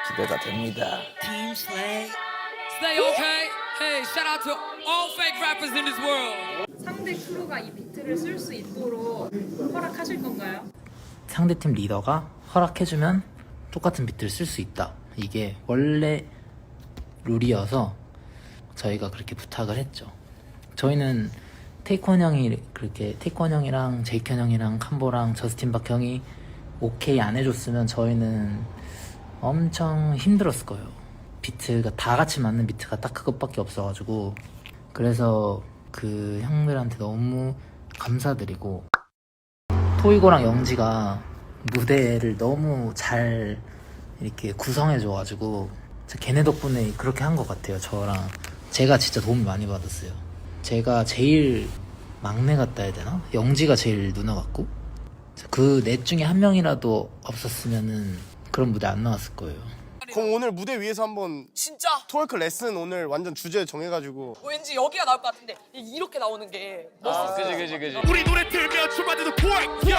기대가 됩니다. Team Slay. Stay okay. Hey, shout out to all fake rappers in this world. 상대 크루가 이 비트를 쓸 수 있도록 허락하실 건가요? 상대팀 리더가 허락해주면 똑같은 비트를 쓸 수 있다. 이게 원래 룰이어서 저희가 그렇게 부탁을 했죠. 저희는 테이콘 형이랑 제이켄 형이랑 캄보랑 저스틴 박 형이 오케이 안 해줬으면 저희는 엄청 힘들었을 거예요. 비트가 다 같이 맞는 비트가 딱 그것밖에 없어가지고, 그래서 그 형들한테 너무 감사드리고, 토이고랑 영지가 무대를 너무 잘 이렇게 구성해줘가지고 걔네 덕분에 그렇게 한 것 같아요. 저랑 제가 진짜 도움이 많이 받았어요. 제가 제일 막내 같다 해야 되나? 영지가 제일 누나 같고, 그 넷 중에 한 명이라도 없었으면은 그런 무대 안 나왔을 거예요. 그럼 오늘 무대 위에서 한번 진짜? 트월크 레슨 오늘 완전 주제 정해가지고. 왠지 여기가 나올 것 같은데 이렇게 나오는 게 멋있어. 그지. 우리 노래 들면 춤만드는 포획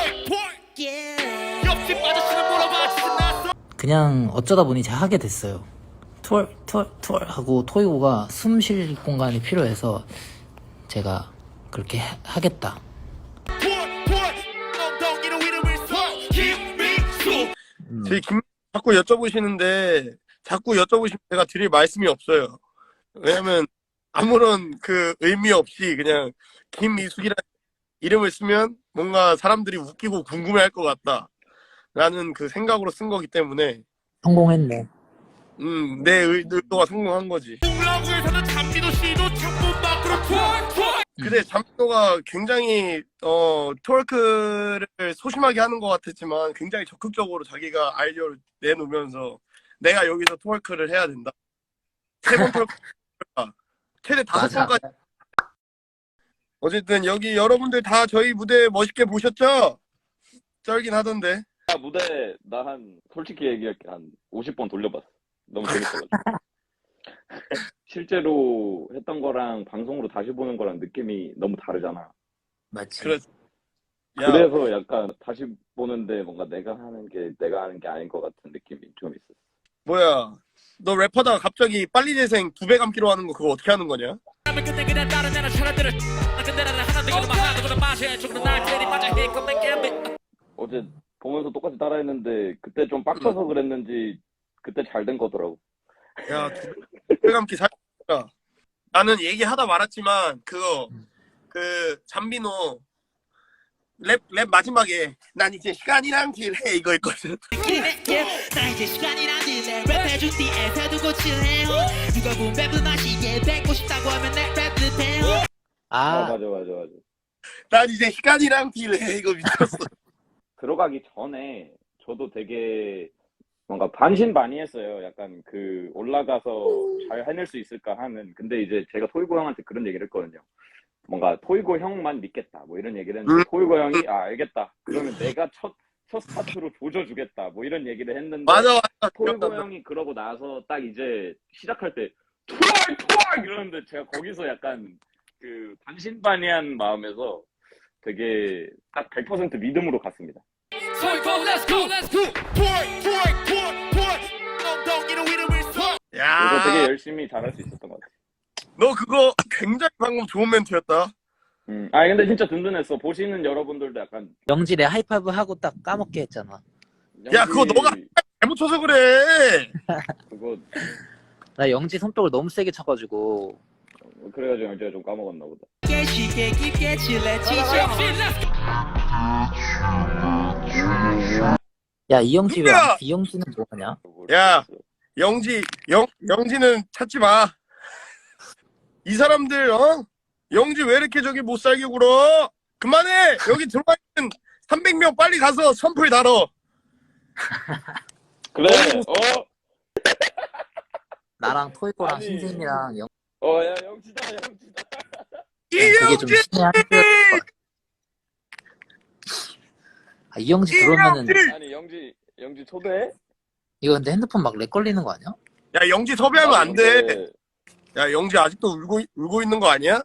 옆집 아저씨는 물어봐 신났어. 그냥 어쩌다 보니 제가 하게 됐어요. 투얼 하고 토이고가 숨 쉴 공간이 필요해서 제가 그렇게 하겠다. 엉덩이로 이름을 써 김민수. 저희 자꾸 여쭤보시는데 제가 드릴 말씀이 없어요. 왜냐면 아무런 그 의미 없이 그냥 김미숙이라는 이름을 쓰면 뭔가 사람들이 웃기고 궁금해할 것 같다라는 그 생각으로 쓴 거기 때문에 성공했네. 내 의도가 성공한 거지. 동라구에서는 잠비도 씨도 창문 밖으로 투어. 근데 잠도가 굉장히 트월크를 소심하게 하는 것 같았지만 굉장히 적극적으로 자기가 아이디어를 내놓으면서 내가 여기서 트월크를 해야 된다. 3번 트월크 최대 5번까지. 어쨌든 여기 여러분들 다 저희 무대 멋있게 보셨죠? 쩔긴 하던데. 무대 나 솔직히 얘기할게 한 50번 돌려봤어. 너무 재밌어가지고. 실제로 했던 거랑 방송으로 다시 보는 거랑 느낌이 너무 다르잖아. 맞지. 그래서 약간 다시 보는데 뭔가 내가 하는 게 아닌 것 같은 느낌이 좀 있어. 뭐야, 너 래퍼다가 갑자기 빨리 재생 2배 감기로 하는 거 그거 어떻게 하는 거냐? 어제 보면서 똑같이 따라했는데 그때 좀 빡쳐서 그랬는지 그때 잘 된 거더라고. 야, 2배 감기 살짝. 나는 얘기하다 말았지만 그거 잠비노 랩 마지막에 난 이제 시간이랑 딜해 이거 있거든. 나 이제 시간이란 딜에 랩해준 뒤에 세두고 칠해요. 누가 본 랩을 마시게 뱉고 싶다고 하면 내 랩을 해요. 맞아. 난 이제 시간이랑 딜해 이거 미쳤어. 들어가기 전에 저도 되게 뭔가 반신반의했어요. 약간 그 올라가서 잘 해낼 수 있을까 하는. 근데 이제 제가 토이고 형한테 그런 얘기를 했거든요. 뭔가 토이고 형만 믿겠다 뭐 이런 얘기를 했는데 토이고 형이 알겠다 그러면 내가 첫 스타트로 조져주겠다 뭐 이런 얘기를 했는데 맞아. 토이고 형이 그러고 나서 딱 이제 시작할 때 투얼 이러는데 제가 거기서 약간 그 반신반의한 마음에서 되게 딱 100% 믿음으로 갔습니다. Let's go. 엉덩이로 이름을 써. 야, 그래서 되게 열심히 잘할 수 있었던 것 같아요. 너 그거 굉장히 방금 좋은 멘트였다. 아니 근데 진짜 든든했어. 보시는 여러분들도 약간 영지 내 하이파이브 하고 딱 까먹게 했잖아. 야, 그거 너가 잘못 쳐서 그래. 그거 나 영지 손뼉을 너무 세게 쳐가지고. 그래가지고 제가 좀 까먹었나 보다. 쉽게 깊게 칠해 치죠. 야, 이영지 누구야? 이영지는 뭐하냐? 야, 영지는 찾지 마. 이 사람들 영지 왜 이렇게 저기 못 살게 굴어? 그만해. 여기 들어와 있는 300명 빨리 가서 선풀 달어. 그래. 나랑 토이코랑 아니. 신생이랑 야 영지다. 그게 좀 이영지, 신의 한 수였을 거야. 이영지 들어오면은 아니 영지 초대해? 이거 근데 핸드폰 막 렉 걸리는 거 아니야? 야, 영지 섭외하면 안 돼. 근데 야, 영지 아직도 울고 있는 거 아니야?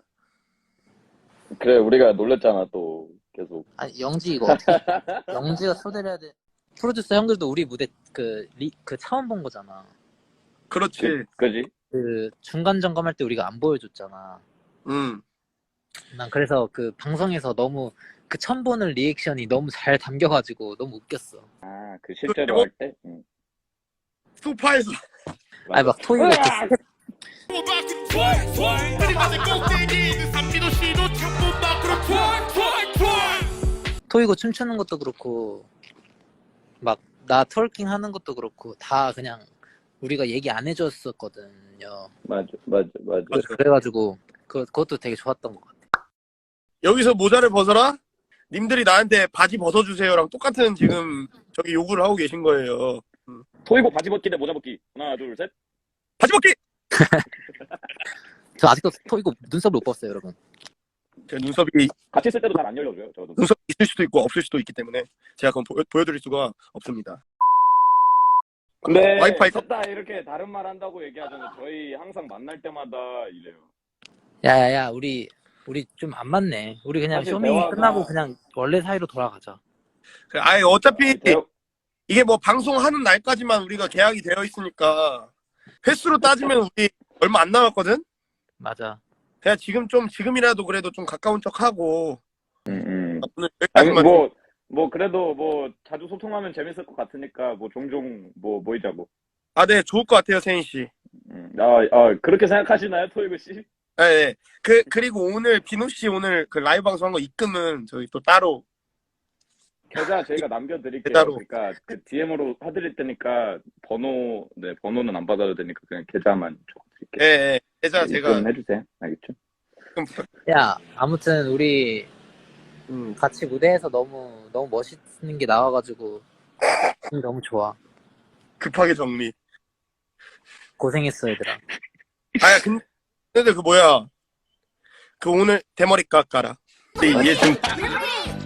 그래 우리가 놀랬잖아 또 계속. 아니 영지 이거 어떻게 영지가 초대를 해야 돼. 프로듀서 형들도 우리 무대 그 처음 본 거잖아. 그렇지. 그지? 그 중간 점검할 때 우리가 안 보여줬잖아. 음. 난 그래서 그 방송에서 너무 그 처음 보는 리액션이 너무 잘 담겨가지고 너무 웃겼어. 아, 그 실제로 할 때? 응. 소파에서 아니 막 토이가 으악! 그림자의 꼭대기 삼민호 씨도 창문 밖으로 토이고 춤추는 것도 그렇고 막 나 트월킹 하는 것도 그렇고 다 그냥 우리가 얘기 안 해줬었거든요. 맞아. 그래가지고 그것도 되게 좋았던 것 같아. 여기서 모자를 벗어라? 님들이 나한테 바지 벗어주세요랑 똑같은 지금 저기 요구를 하고 계신 거예요. 토이고 바지 벗기 대 모자 벗기. 하나, 둘, 셋. 바지 벗기! 저 아직도 토이고 눈썹을 못 봤어요, 여러분. 제 눈썹이 같이 있을 때도 잘 안 열려줘요, 저도. 눈썹이 있을 수도 있고 없을 수도 있기 때문에 제가 그건 보여드릴 수가 없습니다. 근데 와이파이 셋다 이렇게 다른 말 한다고 얘기하잖아요. 저희 항상 만날 때마다 이래요. 야야야, 우리 좀 안 맞네. 우리 그냥 사실 쇼미 대화가- 끝나고 그냥 원래 사이로 돌아가자. 아예 어차피 제가- 이게 뭐 방송하는 날까지만 우리가 계약이 되어 있으니까 횟수로 따지면 우리 얼마 안 남았거든? 맞아. 그냥 지금이라도 그래도 좀 가까운 척 하고 음. 오늘 아니, 여기까지만 뭐 그래도 뭐 자주 소통하면 재밌을 것 같으니까 뭐 종종 뭐 모이자고. 네, 좋을 것 같아요, 세인 씨. 그렇게 생각하시나요, 토이그 씨? 네. 그리고 오늘 비누 씨 오늘 그 라이브 방송 한 거 입금은 저희 또 따로 계좌 저희가 남겨드릴게요. 계좌로. 그러니까 그 DM으로 해드릴 테니까 번호는 안 받아도 되니까 그냥 계좌만 적어드릴게요. 계좌 제가 입금해주세요. 알겠죠? 야, 아무튼 우리 음, 같이 무대에서 너무 멋있는 게 나와가지고 기분이 너무 좋아. 급하게 정리. 고생했어, 얘들아. 근데 그 뭐야? 그 오늘 대머리 깎아라. 얘 지금